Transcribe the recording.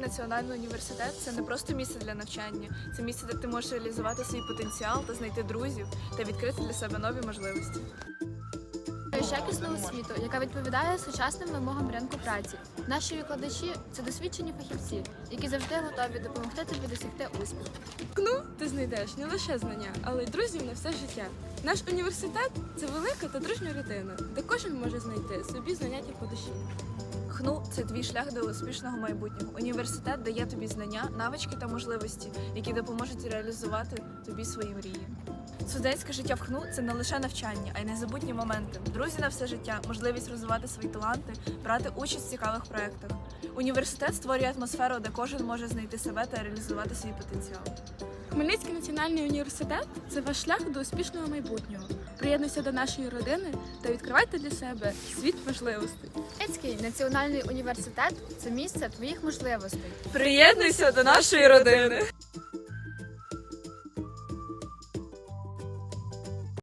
національний університет – це не просто місце для навчання, це місце, де ти можеш реалізувати свій потенціал та знайти друзів та відкрити для себе нові можливості. Якісну освіту, яка відповідає сучасним вимогам ринку праці. Наші викладачі – це досвідчені фахівці, які завжди готові допомогти тобі досягти успіху. В КНУ ти знайдеш не лише знання, але й друзів на все життя. Наш університет – це велика та дружня родина, де кожен може знайти собі заняття по душі. ХНУ – це твій шлях до успішного майбутнього. Університет дає тобі знання, навички та можливості, які допоможуть реалізувати тобі свої мрії. Студентське життя в ХНУ – це не лише навчання, а й незабутні моменти. Друзі на все життя, можливість розвивати свої таланти, брати участь в цікавих проєктах. Університет створює атмосферу, де кожен може знайти себе та реалізувати свій потенціал. Хмельницький національний університет – це ваш шлях до успішного майбутнього. Приєднуйся до нашої родини та відкривайте для себе світ можливостей. Хмельницький національний університет – це місце твоїх можливостей. Приєднуйся до нашої родини!